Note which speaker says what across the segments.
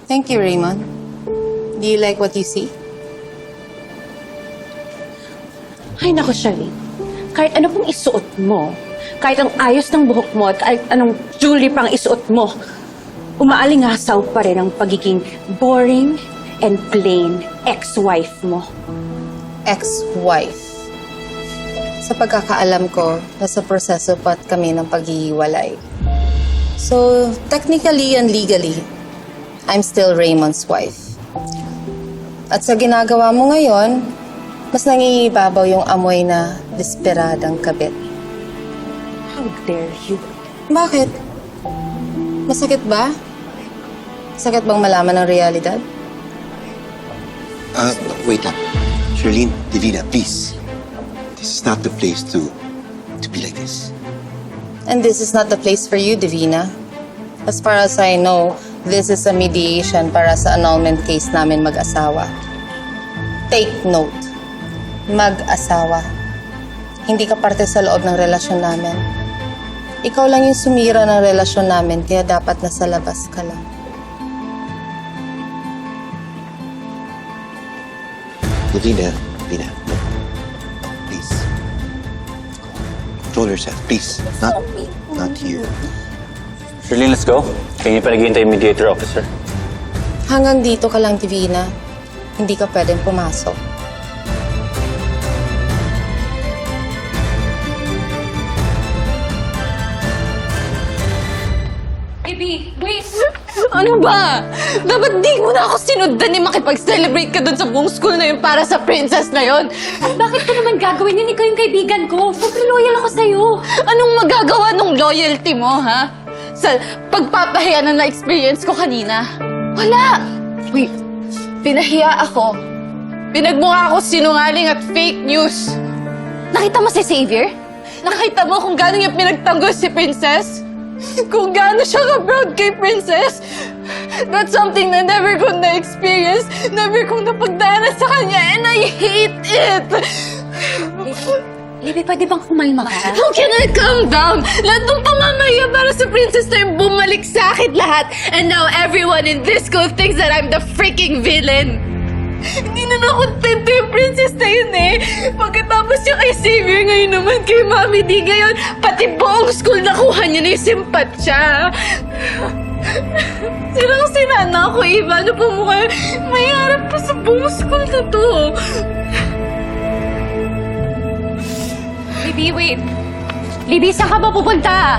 Speaker 1: Thank you, Raymond. Do you like what you see?
Speaker 2: Ay, naku, Charlene. Kahit ano pong isuot mo, kahit ang ayos ng buhok mo at kahit anong jewelry pang isuot mo, umaalingasaw pa rin ang pagiging boring and plain ex-wife mo.
Speaker 1: Ex-wife. Sa pagkakaalam ko, nasa proseso pa kami ng paghihiwalay. So, technically and legally, I'm still Raymond's wife. At sa ginagawa mo ngayon, mas nangingibabaw yung amoy na desperadang kabit.
Speaker 2: How dare you?
Speaker 1: Bakit? Masakit ba? Sakit bang malaman ng realidad?
Speaker 3: Wait lang. Charlene, Divina, please. This is not the place to be like this.
Speaker 1: And this is not the place for you, Divina. As far as I know, this is a mediation para sa annulment case namin mag-asawa. Take note. Mag-asawa. Hindi ka parte sa loob ng relasyon namin. Ikaw lang yung sumira ng relasyon namin, kaya dapat nasa labas ka lang.
Speaker 3: Divina, no. Please. Control yourself, please. Not here.
Speaker 4: Charlene, let's go. Kaya pa naghihintay yung mediator officer.
Speaker 1: Hanggang dito ka lang, Divina. Hindi ka pwedeng pumasok.
Speaker 2: Baby, wait! Ano ba? Dapat di mo na ako sinundan ni makipag-celebrate ka dun sa buong school na yun para sa princess na yun.
Speaker 5: Bakit ko naman gagawin yun? Ikaw yung kaibigan ko. Sobrang loyal ako sa'yo.
Speaker 2: Anong magagawa ng loyalty mo, ha? Sa pagpapahiya na na-experience ko kanina. Wala! Wait, pinahiya ako. Pinagmukha ako sinungaling at fake news. Nakita mo si Xavier? Nakita mo kung gaano niya pinagtanggol si Princess? Kung gaano siya ka-proud kay Princess? That's something na never kong na-experience, never kong napagdaanan sa kanya, and I hate it!
Speaker 5: Libby, pwede bang kumalma ka?
Speaker 2: How can I calm down? Lahat ng pamamaya para sa princess na yung bumalik sa akin lahat. And now everyone in this school thinks that I'm the freaking villain. Hindi na nakontento yung princess na yun eh. Pagkatapos yung kay Xavier, ngayon naman kay Mami D. Ngayon, pati buong school nakuha niya na yung simpatsya. Sinang-sina na ako, Eva. Ano pa mukha? May harap pa sa buong school na to.
Speaker 5: Libby, wait. Libby, saan ka ba pupunta?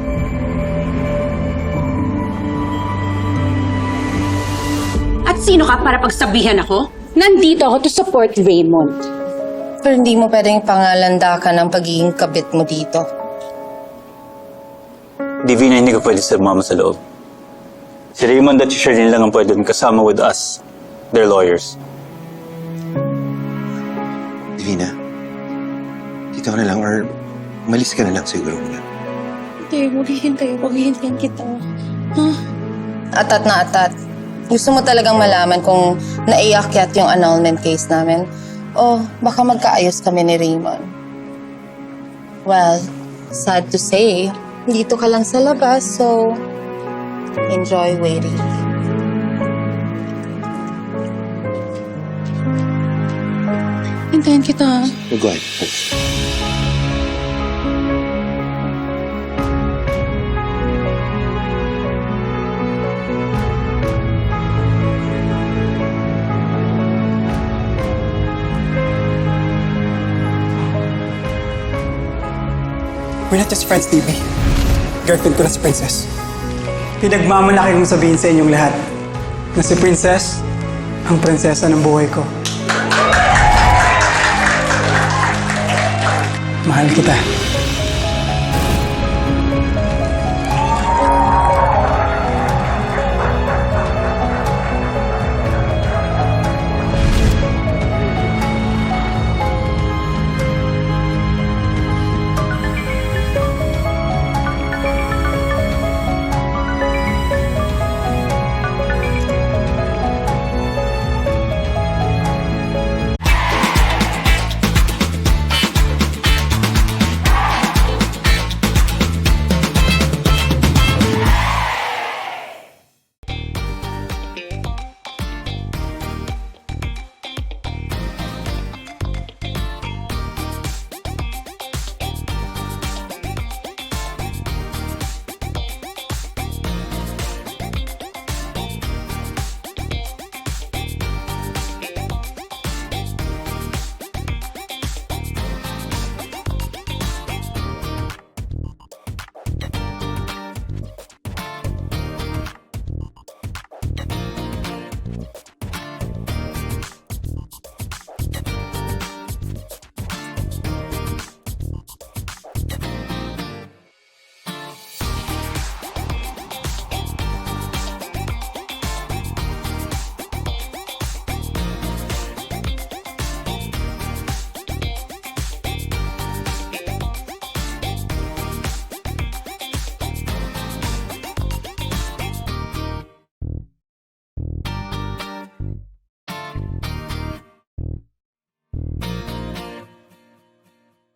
Speaker 2: At sino ka para pagsabihan ako? Nandito ako to support Raymond.
Speaker 1: Pero hindi mo pwedeng pangalandakan ng pagiging kabit mo dito.
Speaker 4: Divina, hindi ko pwede sumama sa loob. Si Raymond at si Charlene lang ang pwede kasama with us. They're lawyers.
Speaker 3: Divina, dito ka na lang or umalis ka na lang siguro muna.
Speaker 2: Hindi, maghihintayin kita.
Speaker 1: Atat na atat. Gusto mo talagang malaman kung naiakyat yung annulment case namin? O baka magkaayos kami ni Raymond? Well, sad to say, dito ka lang sa labas, so enjoy waiting.
Speaker 2: Hintayin kita.
Speaker 3: Go ahead.
Speaker 6: We're not just friends, Libby. Girlfriend ko na si Princess. Pinagmamalaki kong sabihin sa inyong lahat na si Princess ang prinsesa ng buhay ko. Mahal kita.